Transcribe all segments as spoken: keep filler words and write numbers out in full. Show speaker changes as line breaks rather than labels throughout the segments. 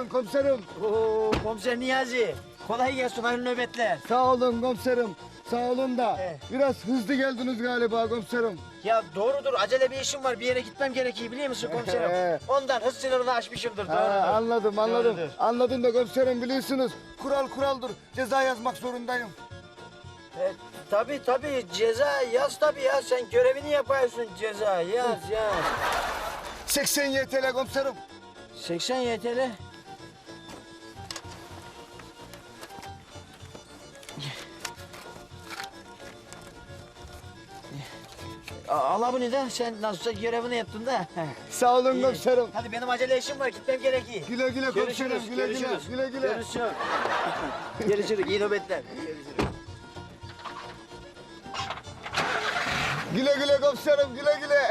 gelin komiserim.
Oo, komiser Niyazi. Kolay gelsin, hayırlı nöbetler.
Sağ olun komiserim. Sağ olun da
He.
biraz hızlı geldiniz galiba komiserim.
Ya doğrudur, acele bir işim var. Bir yere gitmem gerekiyor biliyor musun komiserim?
He.
Ondan hız sınırını aşmışımdır,
Ha,
doğrudur.
anladım anladım.
Doğrudur.
Anladım da komiserim biliyorsunuz. Kural kuraldır. Ceza yazmak zorundayım.
E, tabii tabii, ceza yaz tabii ya. Sen görevini yapıyorsun, ceza yaz yaz.
seksen Y T L komiserim.
seksen Y T L. Al bunu da, sen nasılsa görevini yaptın da.
Sağ olun
İyi.
komiserim.
Hadi benim acele işim var, gitmem gerekiyor.
Güle güle komiserim.
Görüşürüz,
Güle güle.
görüşürüz.
Güle güle.
Görüşürüz. Görüşürüz, iyi nöbetler. Görüşürüz.
Güle güle komiserim. Güle güle.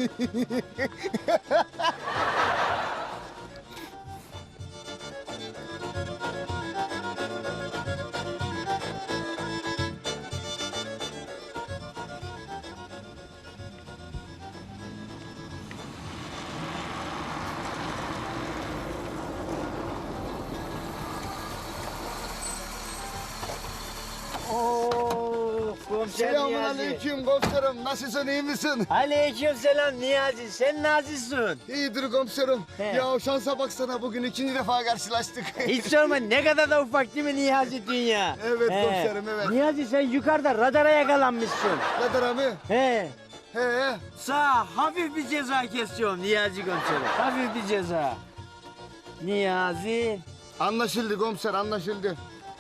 Oo, komiser
Selamun
Niyazi.
aleyküm komiserim. Nasılsın iyi misin?
Aleyküm selam Niyazi. Sen nazissin.
İyidir komiserim.
He.
Ya şansa baksana bugün ikinci defa karşılaştık.
Hiç sorma, ne kadar da ufak değil mi Niyazi dünya?
Evet komiserim, evet.
Niyazi sen yukarıda radara yakalanmışsın.
Radar abi.
He.
He he.
Sağ hafif bir ceza kesiyorum Niyazi komiserim. Hafif bir ceza. Niyazi.
Anlaşıldı komiser anlaşıldı.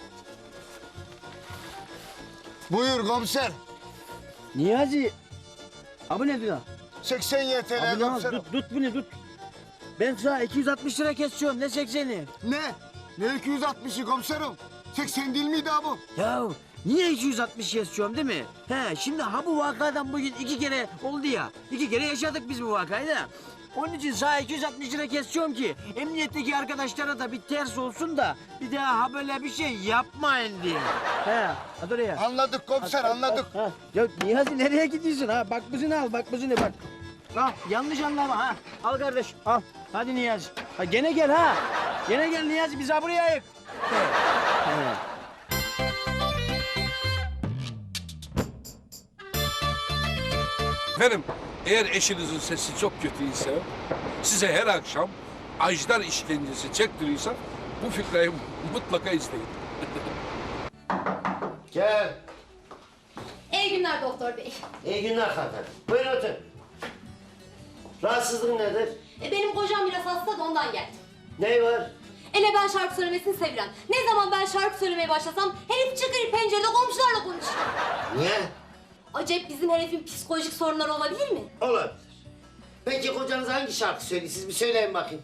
Buyur komiser.
Niyazi. Abi ne diyor?
seksen Y T L
Abi ne
komiserim.
tut, tut bunu tut. Ben sana iki yüz altmış lira kesiyorum, ne sekseni?
Ne? Ne iki yüz altmışı komiserim? seksen değil miydi abi?
Ya niye iki yüz altmış kesiyorum değil mi? He, şimdi ha bu vakadan bugün iki kere oldu ya. İki kere yaşadık biz bu vakayı da. Onun için sana iki yüz altmış lira kesiyorum ki emniyetteki arkadaşlara da bir ters olsun da bir daha ha böyle bir şey yapmayın diye. He, hadi oraya.
Anladık komiser anladık.
Ha, ya Niyazi nereye gidiyorsun ha? Bak buzunu al, bak buzunu bak. Al, yanlış anlama ha. Al kardeş, al. Hadi Niyazi. Ha, gene gel ha. Gene gel Niyazi, biz ha buraya ayık. He, he.
Efendim, eğer eşinizin sesi çok kötüyse, size her akşam ajdar işkencesi çektiriyorsa bu fıkrayı mutlaka izleyin.
Gel.
İyi günler doktor bey.
İyi günler hanımefendi. Buyurun otur. Rahatsızlığın nedir?
E, benim kocam biraz hasta da ondan geldim.
Ne var?
Ele ben şarkı söylemesini sevilen. Ne zaman ben şarkı söylemeye başlasam herif çıkır pencerede komşularla konuşuyor.
Niye?
Acep bizim herifin psikolojik sorunları olabilir mi?
Olabilir. Peki kocanız hangi şarkı söylüyor? Siz bir söyleyin bakayım.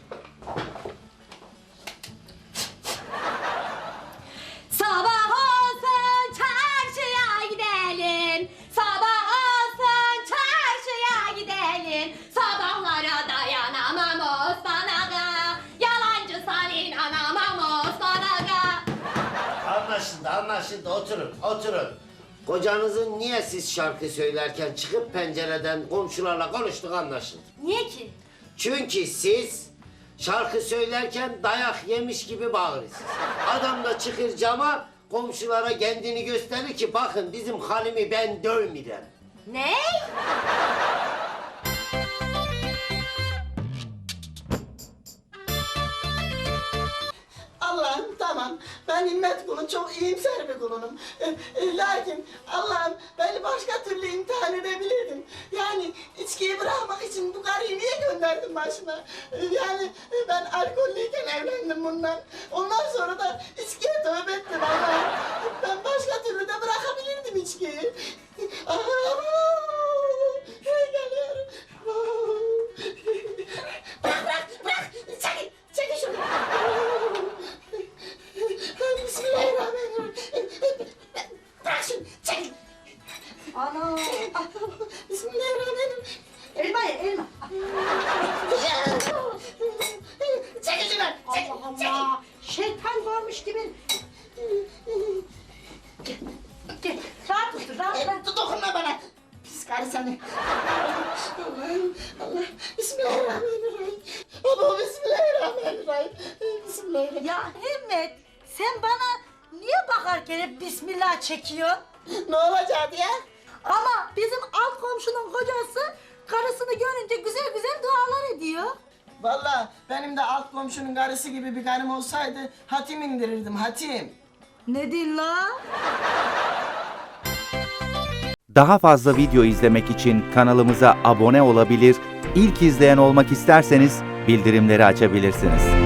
Sabah olsun çarşıya gidelim. Sabah olsun çarşıya gidelim. Sabahlara dayanamam Osman Aga. Yalancı Salih anamam Osman Aga.
Anlaşıldı, anlaşıldı. Oturun, oturun. Kocanızın niye siz şarkı söylerken çıkıp pencereden komşularla konuştuk anlaşıldı.
Niye ki?
Çünkü siz şarkı söylerken dayak yemiş gibi bağırırsınız. Adam da çıkır cama komşulara kendini gösterir ki bakın bizim Halim'i ben dövmeyeceğim.
Ne?
Allah'ım tamam, ben himmet kulu çok iyimser bir kulunum. E, e, lakin Allah'ım beni başka türlü imtihan edebilirdin. Yani içkiyi bırakmak için bu karıyı niye gönderdin başına? E, yani e, ben alkollüyken evlendim bundan. Ondan sonra da içkiye tövbe ettim Allah'ım. Ben başka türlü de bırakabilirdim içkiyi. Aa, geliyorum. Bırak, bırak, bırak! Çekil, çekil şunu! Bismillahirrahmanirrahim. Bırak şunu, çekil!
Ana!
Bismillahirrahmanirrahim.
Elma ye, elma.
Çekil şunu, çekil,
Allah
çekil!
Allah! Şeytan varmış gibi. Gel, gel. Rahat otur, rahat, rahat.
E, dokunma bana! Pis karı seni! Allah'ım, Allah! Bismillahirrahmanirrahim! Baba, Bismillahirrahmanirrahim!
Ya Himmet sen bana niye bakarken hep bismillah çekiyorsun?
Ne olacak ya?
Ama bizim alt komşunun kocası karısını görünce güzel güzel dualar ediyor.
Vallahi benim de alt komşunun karısı gibi bir karım olsaydı hatim indirirdim hatim.
Ne diyorsun la?
Daha fazla video izlemek için kanalımıza abone olabilir, ilk izleyen olmak isterseniz bildirimleri açabilirsiniz.